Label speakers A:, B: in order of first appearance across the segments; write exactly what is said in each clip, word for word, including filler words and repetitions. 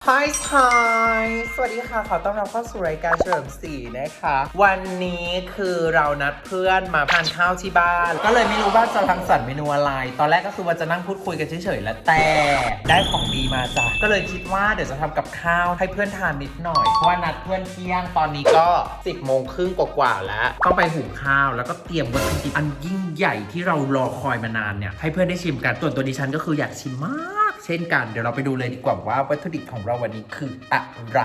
A: Hi Hi สวัสดีค่ะขอต้อนรับเข้าสู่รายการเฉลิมศรีนะคะวันนี้คือเรานัดเพื่อนมาทานข้าวที่บ้านก็เลยไม่รู้ว่าจะรังสรรค์เมนูอะไรตอนแรกก็คือว่าจะนั่งพูดคุยกันเฉยๆแล้วแต่ได้ของดีมาจ้ะก็เลยคิดว่าเดี๋ยวจะทำกับข้าวให้เพื่อนทานนิดหน่อยเพราะว่านัดเพื่อนเที่ยงตอนนี้ก็สิบโมงครึ่งกว่าๆแล้วต้องไปหุงข้าวแล้วก็เตรียมวัตถุดิบอันยิ่งใหญ่ที่เรารอคอยมานานเนี่ยให้เพื่อนได้ชิมกันส่วนตัวดิฉันก็คืออยากชิมมากเช่นกันเดี๋ยวเราไปดูเลยดีกว่าว่าวัตถุดิบของเราวันนี้คืออะไร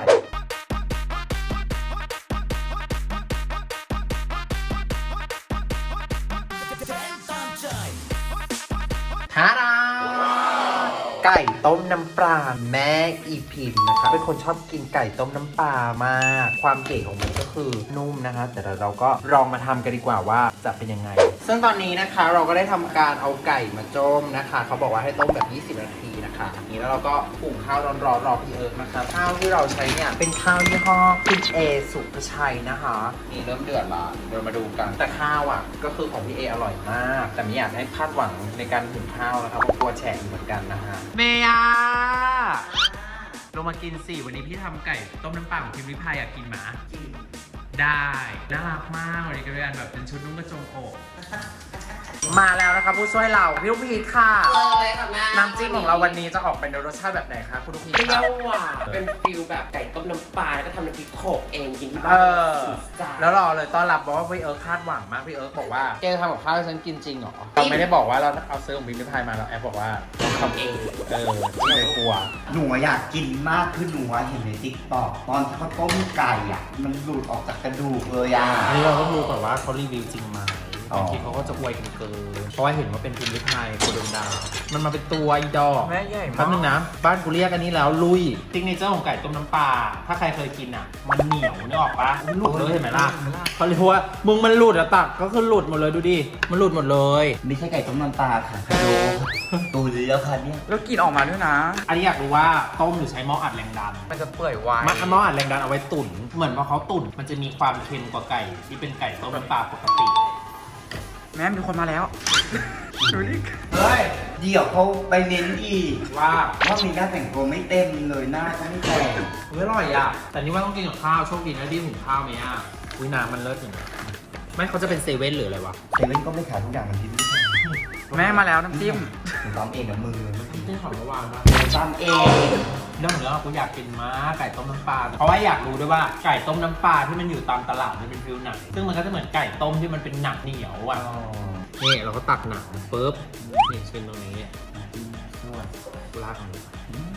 A: ทาราไก่ต้มน้ำปลาแม่อีพิมนะคะเป็นคนชอบกินไก่ต้มน้ำปลามากความเก๋ของมันก็คือนุ่มนะคะแต่เราก็ลองมาทำกันดีกว่าว่าจะเป็นยังไงซึ่งตอนนี้นะคะเราก็ได้ทำการเอาไก่มาต้มนะคะเขาบอกว่าให้ต้มแบบยี่สิบนาทีนะคะนี้แล้วเราก็หุงข้าวร้อนๆรอพี่เอิร์กนะคะข้าวที่เราใช้เนี่ยเป็นข้าวยี่ห้อคุณเอสุภชัยนะคะนี่เริ่มเดือดละเดี๋ยวมาดูกันแต่ข้าวอ่ะก็คือของพี่เออร่อยมากแต่ไม่อยากให้คาดหวังในการหุงข้าวนะคะเพราะกลัวแฉะเหมือนกันนะคะเมียลงมากินสิวันนี้พี่ทำไก่ต้มน้ำปลาของพิมพ์ริพายอยากกินหมาได้น่ารักมากวันนี้ก็เป็นแบบเป็นชุดนุ่งกระโจมอกมาแล้วนะคะผู้ช่วยเราพี่ลูกพีชค่ะ
B: เลยค่ะแม่
A: น้ำจิ้มของเราวันนี้จะออกเป็นรสชาติแบบไหนคะคุณลูกพีชเปรี้ยวหวาน
B: เป็นฟิลแบบไก่ต้มน้ำปลาแล้วก็ทำน้ำพริกโขกเองกินที่บ้าน
A: เออแล้วรอเลยต้อนรับบอกว่าพี่เอิร์กคาดหวังมากพี่เอิร์กบอกว่าแกทำกับข้าวให้ฉันกินจริงเหรอเราไม่ได้บอกว่าเราเอาซื้อของพิมพ์ริพายมาเราแอบบอกว่าทำเองเออไม่ได้กลัว
C: หนูอยากกินมากคือหนูเห็นในติ๊กต็อกตอนที่เขาต้มไก่อ่ะมันหลุดออกจากกระดูกเลยอ่ะ
A: อันนี้เราก็ดูก่อนว่าเขารีวิวจริงไหมบางทีเขาก็จะอวยกันเกินเพราะว่าเห็นว่าเป็นพิมพ์ริพายโคดงดาวมันมาเป็นตัวอีดอกแม่ใหญ่มากแป๊บนึงนะบ้านกูเรียกอันนี้แล้วลุยติ๊กเนเจอร์ของไก่ต้มน้ำปลาถ้าใครเคยกินอ่ะมันเหนียวนึกออกปะมันหลุดเลยเห็นไหมล่ะเขาเรียกว่ามึงมันหลุดอะตักก็คือหลุดหมดเลยดูดิมันหลุดหมดเลย
C: ไม่ใช่ไก่ต้มน้ำปลาค่ะดูดูเลยแล้วค่ะเนี่ย
D: แล้วกลิ่นออกมาด้วยนะ
A: อันนี้อยากรู้ว่าต้มหรือใช้หม้ออัดแรงดัน
D: มันจะเปื่อยไว
A: มันหม้ออัดแรงดันเอาไว้ตุ๋นเหมือนว่าเขาตุ๋นมันจะมีความเค็มกว่าไก่ที่เป็นไก่ต้มน้ำปลาปกติ
D: แม่มีคนมาแล้วดูดิ
C: เฮ้ยเดี๋ยวเขาไปเน้นอีก
A: ว่า
C: ว่ามีหน้าแต่งตัวไม่เต็มเลยหน้าเขาไม่แต่ง
A: เฮ้ยอร่อยอ่ะแต่นี่ว่าต้องกินกับข้าวโชคดีนะที่หุงข้าวไหมอ่ะวิน้ำมันเลิศอย่างเงี้ยไม่เขาจะเป็นเซเว่นหรืออะไรวะ
C: เซเว่นก็ไม่ขายทุกอย่างมันที่นี่
D: แม่มาแล้วน้ำจิ้ม
C: หนูทำเองกับมือเมื่อกี้
A: ที่ของเมื่อวานปะ
C: ทำเอง
A: เรื่องของเรื่องกูอยากกินม้าไก่ต้มน้ำปลาเพราะว่าอยากรู้ด้วยว่าไก่ต้มน้ำปลาที่มันอยู่ตามตลาดมันเป็นฟิลหนังซึ่งมันก็จะเหมือนไก่ต้มที่มันเป็นหนังเหนียวอ่ะนี่เราก็ตักหนังปุ๊บนี่เป็นตรงนี้นวดลากมัน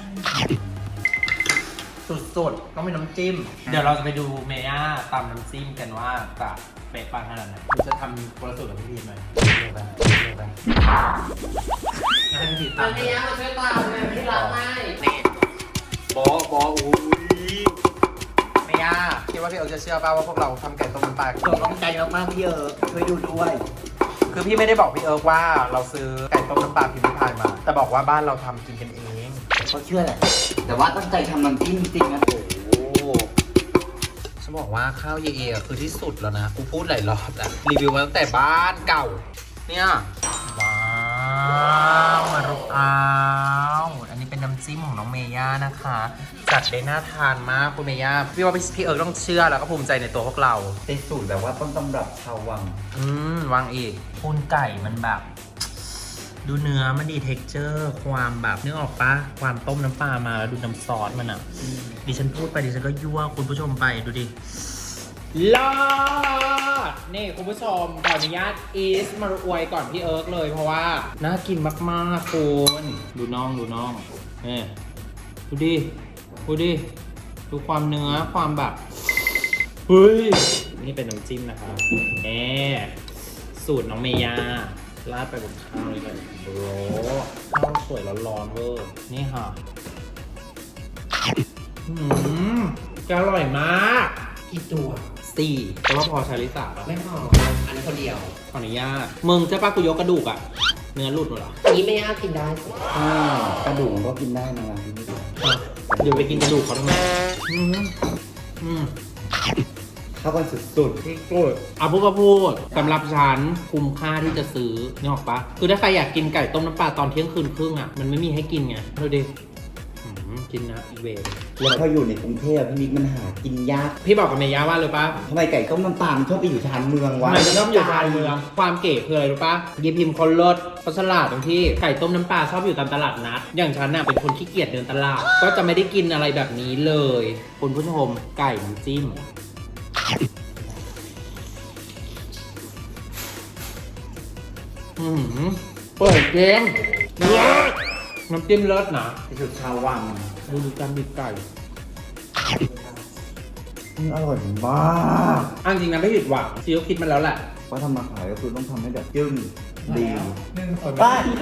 A: สุดๆต้องเป็นน้ำจิ้มเดี๋ยวเราจะไปดูเมย่าตำน้ำจิ้มกันว่าจะเป๊ะปังขนาดไหนคุณจะทำโปรสูตรกับพี่พีทไหมเร็วไปเร็วไปให้พี่พีทตำ
B: เมย่ามาช่วยตำเลยพี่รักให้
A: นี่บอบออุ้ยเมย่าคิดว่าพี่เอิร์กจะเชื่อป่าวว่าพวกเราทำไก่ต้มน้ำปลา
C: ตัวต้องใจมากๆพี่เอิร์กช่วยดูด้วย
A: คือพี่ไม่ได้บอกพี่เอิร์กว่าเราซื้อไก่ต้มน้ำปลาพิมพ์ริพายมาแต่บอกว่าบ้านเราทำกินกันเอง
C: เขาเชื่อแหละแต่ว่าตั้งใจทำน้ำจิ้มจริงๆนะโอ้
A: ฉันบอกว่าข้าวเยเอคือที่สุดแล้วนะกูพูดหลายรอบแล้วรีวิวมาตั้งแต่บ้านเก่าเนี่ยว้าวมารุอ้าวอันนี้เป็นน้ำจิ้มของน้องเมย่านะคะจัดได้น่าทานมากคุณเมย่าพี่ว่าพี่เอิร์กต้องเชื่อแล้วก็ภูมิใจในตัวพวกเรา
C: เป็นสูตรแบบว่าต้นตำรับชาววัง
A: อืมวังอีกปูนไก่มันแบบดูเนื้อมันดีเท็กเจอร์ความแบบนึกออกปะความต้มน้ำปลามาแล้วดูน้ำซอสมันอ่ะดิฉันพูดไปดิฉันก็ยั่วคุณผู้ชมไปดูดิลอดนี่คุณผู้ชมขออนุญาตอีสมาอวยก่อนพี่เอิร์กเลยเพราะว่าน่ากินมากๆคุณดูน่องดูน่องนี่ดูดิดูดิดูความเนื้อความแบบเฮ้ยนี่เป็นน้ำจิ้มนะคะแหมสูตรน้องเมย่าราดไปบนข้าวเลยกันโอ้ข้าวสวยร้อนๆเวอร์นี่ค่ะอืมจะอร่อยมาก
B: กี่ตัว
A: สี่แต่ว่าพอชาลิสา
B: ไม่พออันนี้คนเดียว
A: ขออนุญาตมึงจะป้ากูยกกระดูกอะเนื้อหลุดหมดเหรอ
B: นี้ไม่ยากกินได้สิ
C: กระดูกก็กินได้นะที่นี่
A: เดี๋ยวไปกินกระดูกเขาทำไมอืมอืม
C: เข้ากันสุดๆ
A: ที่สุดเอาพูดก็พูดสำหรับฉันคุ้มค่าที่จะซื้อนี่หรอกปะคือถ้าใครอยากกินไก่ต้มน้ำปลาตอนเที่ยงคืนครึ่งอะมันไม่มีให้กินไงดูดิ
C: อ
A: กินนะอีเวน
C: แล้วพออยู่ในกรุงเทพพี่นิกมันหากินยาก
A: พี่บอกกับเมย่าว่าเลยปะ
C: ทำไมไก่ต้มน้ำปลามันชอบไปอยู่ชานเมืองวะ
A: ทำไมมันต้องอยู่ชานเมืองความเก๋คืออะไรรู้ปะยีพิมพ์คนรถเขาฉลาดตรงที่ไก่ต้มน้ำปลาชอบอยู่ตามตลาดนัดอย่างฉันน่ะเป็นคนขี้เกียจเดินตลาดก็จะไม่ได้กินอะไรแบบนี้เลยคุณผู้ชมไก่น้ำจิ้มอืมเปิดเกมเลิศน้ำจิ้มเลิศนะ
C: ที่สุดชาววัง
A: ดูดูการบีบไก่
C: มันอร่อยมาก
A: อันจริงนะไม่ผิดหวังซีก็คิดมาแล้วแหละ
C: ว่าทำมาขายก็คือต้องทำให้แบบจึ้งดี
D: หนึ่งคน
C: ไป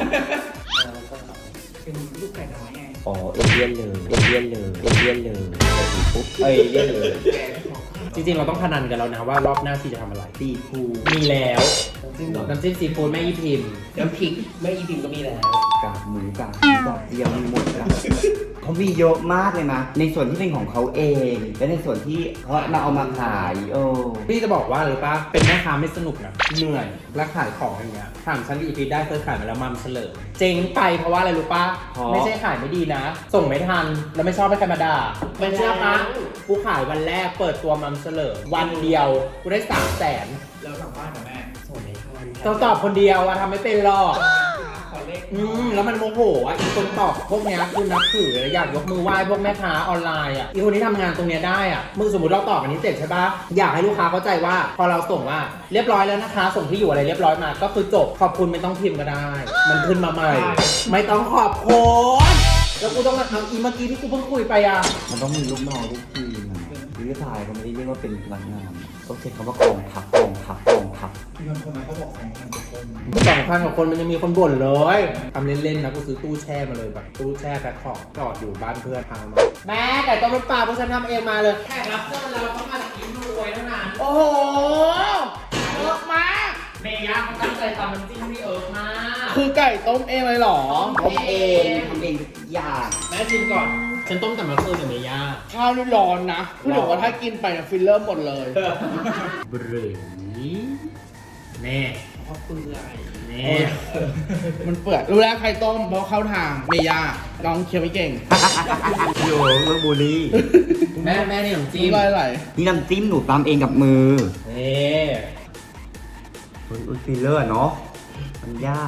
D: เป็นลูกไก่น้อยไง
C: อ๋อเอเลี่ยนเลยเอเลี่ยนเลยเอเลี่ยนเลยปุ๊บเอเลี่ยนเลย
A: จริงๆเราต้องพนันกันแล้วนะว่ารอบหน้าซีจะทำอะไร
C: ตีฟู
A: มีแล้ว
B: จริงเหรอ
A: น้ำจิ้มซีฟู้ดแม่ยี่พิมพ์
B: น้ำพริกแม่อีพิมก็มีแล้ว
C: กากหมูกากหมูกากเดียวมีหมดอะเขามีเยอะมากเลยนะ ในส่วนที่เป็นของเขาเอง และในส่วนที่เขามาเอามาขายโอ้
A: พี่จะบอกว่าหรือปะเป็นแม่ค้าไม่สนุกนะเหนื่อยและขายของอย่างเงี้ยถามฉันอีพีได้เคยขายมาแล้วมัมเฉลิมเจ๊งไปเพราะว่าอะไรรู้ปะไม่ใช่ขายไม่ดีนะ ส่งไม่ทันแล้วไม่ชอบให้ใครมาด่าไม่เชื่อปะกูขายวันแรกเปิดตัวมัมเฉลิมวันเดียวกูได้สามแสน
D: แล้วกลับบ้านกับแม่
B: ส่งในทาน
A: ต้องตอบคนเดียวอะทำไม่เป็นหรอก
D: ขอเลข
A: อืมแล้วมันโมโหอ่ะอีคนตอบพวกเนี้ยคือนับถือเลยอยากยกมือไหว้พวกแม่ค้าออนไลน์อ่ะอีคนที่ทำงานตรงเนี้ยได้อ่ะมึงสมมติเราตอบอันนี้เสร็จใช่ปะอยากให้ลูกค้าเข้าใจว่า พอเราส่งว่าเรียบร้อยแล้วนะคะ ส่งที่อยู่อะไรเรียบร้อยมา ก็คือจบขอบคุณไม่ต้องพิมพ์ก็ได้ มันขึ้นมาใหม่ ไม่ต้องขอบคุณแล้วกูต้องเอาอีเมื่อกี้ที่กูเพิ่งคุยไปอ่ะ
C: มันต้องมีลูกน้องลูกทีมอะหรือถ่ายเขาไม่ได้เรียกว่าเป็นพนักงานต้องใช้คำว่ากองทัพกองทัพกองทัพ
D: มีคนคนนั้นเขาบอกสองพันกว่าคน
A: สองพันกว่าคนมันยังมีคนบ่นเลยทำเล่นๆนะกูซื้อตู้แช่มาเลยแบบตู้แช่แพ็คของจอดอยู่บ้านเพื่อนพามาแม่ไก่ต้มน้ำปลาพวกฉันทำเองมาเลยแขกรับเชิญเราเขามาจากอินรวยเท่านั้นโอ้โหเยอะมากเมย่าเขาตั้งใจทำน้ำจิ้มที่เอิร์กมาก
D: คือไก่ต้มเองเลยเหรอ
C: ทำเองทำเองทุกอย่าง
A: แม่ชิมก่อนฉันต้มแต่เมื่อคืนกับเมย่า
D: ข้าวนี่ร้อนนะพูดถึงว่าถ้ากินไปเนี่ยฟิลเลอร์หมดเลย
A: บรือแน่
D: เพราะเปลือย
A: แน่
D: มันเปื่อยรู้แล้วใครต้มเพราะเข้าทางเมย่าน้องเคี้ยวไม่เก่ง
C: โยเรื่องบุรี
A: แม่แม่นี่ขนมจี
D: จิ้
A: น
D: มอะไร
C: นี่น้ำจิ้มหนูตำเองกับมือ
A: นี่
C: อุ้ยอุ้ยฟิลเลอร์เนาะมันยาก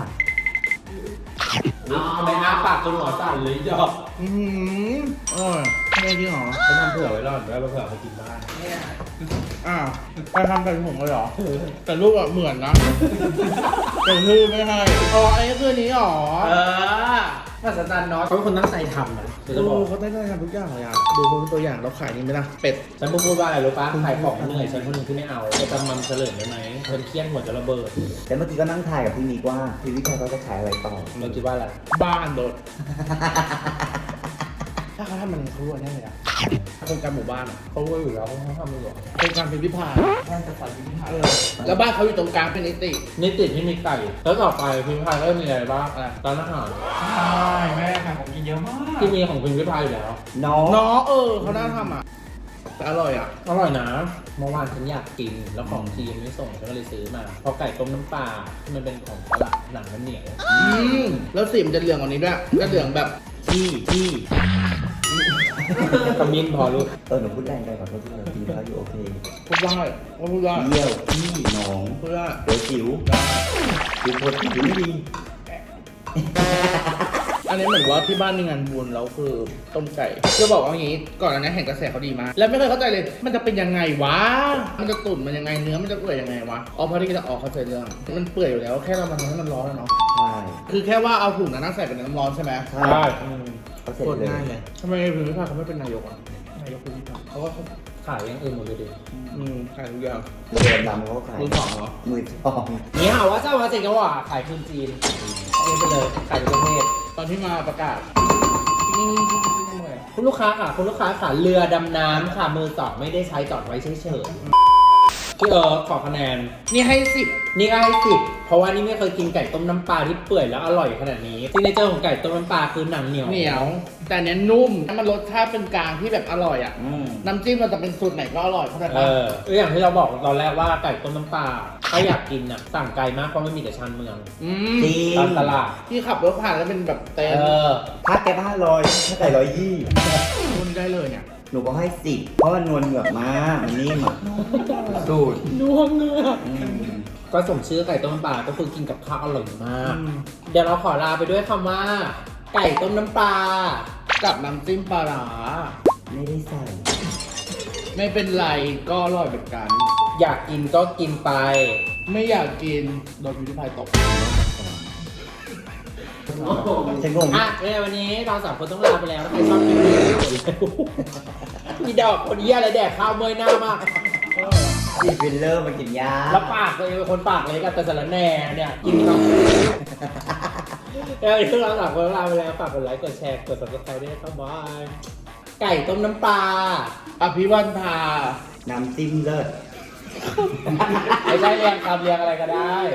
A: เอาไปอ้าปากจนหัวสั่นเลยจอก
D: อือหือเออไม่ได้จริงเหรอ
A: ฉันทำเผื่อไว้รอดแล้วเผื่อเขากินบ้าง
D: อ้าวใครทำใส่ถุงเลยเหรอ แต่รูปอะเหมือนนะแต่ชื่อไม่ให้อ๋ออันนี้คือนี้เหรอ
A: เออภาษาจันเนาะเขาเป็นคนตั้งใจทำนะจะ
D: ดู
A: บอก
D: เขาได้ได้ทำทุกอย่างเลยอ่ะดูเขาเป็นตัวอย่างเราขายนี่ไหมล่ะเป็ด
A: ฉันพูดว่าอะไรรู้ปะขายของเหนื่อยฉันคนหนึ่งที่ไม่เอาไปจำมันเฉลิมได้ไหมฉันเครียดหัวจะระเบิด
C: แต่เมื่อกี้ก็นั่งถ่ายกับพี่นิกว่าพี่วิชัยเขาจะขายอะไรต่อ
A: เราคิดว่าอะไร
D: บ้านโดด ถ้าเขาทำมันเขารู้แน่เลยอ่ะโครงการหมู่บ้านอะ
A: เขารู้อยู่แล้วเขาทำอยู่หรอ
D: โครงการพิมพิพายบ้านจัดสรรพิมพิพายเออแล้วบ้านเขาอยู่ตรงกลางเป็นนิติ
A: นี่ติดที่มีไก่แล้วต่อไปพิมพ์พายก็มีอะไรบ้างอะไรร้านอาหาร
D: ใช่แม่ค่ะผมกินเยอะมาก
A: ที่มีของพิมพ์พายอยู่แล้ว
C: น้อง
D: น้องเออเขาน่าทำอ่ะแต่อร่อยอ่ะ
A: อร่อยนะเมื่อวานฉันอยากกินแล้วของทีมไม่ส่งฉันก็เลยซื้อมาเพราะไก่ต้มน้ำปลาที่มันเป็นของตลาดหนังมันเหนียว
D: อืมแล้วสีมันจะเหลืองกว่านี้ด้วยจะเหลืองแบบ
C: พี่พี่
A: ขมิ้นพอลูก
C: เออหนูพูดแรงไปขอโทษที่เราทีแล้วอยู่โอเค
D: พูดได้ก็พูดได้
C: เยี่ยวพี่น้อง
D: พูดได้
C: เดี๋ยวจิ๋วจิ๋วโคตรจิ๋วไม่ดี
D: อันนี้เหมือนว่าที่บ้านมีงานบุญแล้วคือต้มไก่จะบอกว่าอย่างนี้ก่อนอันนี้เห็นกระแสเขาดีมากแล้วไม่เคยเข้าใจเลย มันจะเป็นยังไงวะมันจะตุ๋นมันยังไงเนื้อมันจะเปื่อยยังไงวะอ๋อพอที่จะออกเข้าใจเรื่องมันเปื่อยอยู่แล้วแค่เรามันทำให้มันร้อนแล้วเนาะ
C: ใช่
D: คือแค่ว่าเอาถุงนั้นใส่ไปในน้ำร้อนใช่ไหม
C: ใช่
A: ได้อืม
C: เขาเสร็จ
D: โคตร
C: เลย
D: ง่ายเลยทำไมพิมพิพายเขาไม่เป็นนายกอ่ะนายกพิมพิพาย
A: เขาก็ขายอย่างอื่นหมดเลยดิ
D: อืมขายทุกอย่าง
C: เรือดำเขาก็ขาย
D: มือสองเหรอ
C: มือทอง
A: นี่หาว่าเจ้ามาสิงคโปร์ขายคืนจีนเองไปเลยขายทุกประเทศ
D: ตอนที่มาประกาศ
A: คุณลูกค้าค่ะคุณลูกค้าค่ะเรือดำน้ำค่ะมือสองไม่ได้ใช้จอดไว้เฉยๆพี่เอิร์ธขอคะแนน
D: นี่ให้สิบ
A: นี่ก็ให้สิบเพราะว่านี่ไม่เคยกินไก่ต้มน้ำปลาที่เปื่อยแล้วอร่อยขนาดนี้ซิกเนเจอร์ของไก่ต้มน้ำปลาคือหนังเหนียว
D: เหนียว แต่อันเนี้ยนุ่มมันรสชาติเป็นกลางที่แบบอร่อยอ่ะ
C: อืม
D: น้ำจิ้มเราจะเป็นสูตรไหนก็อร่อยเข้าใจ
A: เอ
D: ปะ
A: ออย่างที่เราบอกตอนแรกว่าไก่ต้มน้ำปลา
E: ถ้าอยากกินน่ะสั่งไกลมากเพราะไม่มีแต่ชานเมือง
D: อืม
C: จริง
E: ตามตลาด
D: ที่ขับรถผ่านแล้วเป็นแบบเต็
E: เอ
D: ม
E: อ
C: ถ้าแกห้าร้อยถ้าไก่ร้อยยี่
D: คุณได้เลยเนี่ย
C: หนูบอกให้สิบเพราะมันนวลเหงือกมากมันนิ่มอ่ะสูตร
E: นัวเงือก
C: อืม
E: ก็สมชื่อไก่ต้มน้ำปลาก็คือกินกับข้าวอร่อยมาก
D: อืม
E: เดี๋ยวเราขอลาไปด้วยคำว่า ไก่ต้มน้ำปลา
D: กับน้ำจิ้มปลาร้า
C: ไม่ได้ใส่
D: ไม่เป็นไรก็อร่อยเหมือนกัน
E: อยากกินก็กินไป
D: ไม่อยากกินโดนพิวพายตก
C: ฉันงง
E: อ่ะในวันนี้เราสามคนต้องลาไปแล้วถ้าใครชอบคลิปนี้มีดอกคนเยี่ยอะไรแดกข้าวเมื่อยหน้ามาก
C: ฉีดฟิลเลอร์มากินยา
E: แล้วปากตัวเองเป็นคนปากเล็กกับแต่สารแหน่เนี่ยกินเนาะแล้ววันนี้เราสามคนต้องลาไปแล้วฝากกดไลค์กดแชร์กด subscribe ด้วยนะครับบายไก่ต้มน้ำปลา
D: อภิวันพา
C: น้ำจิ้มเลิศ
E: ไม่ใช่เรียงคำเรียงอะไรก็ได้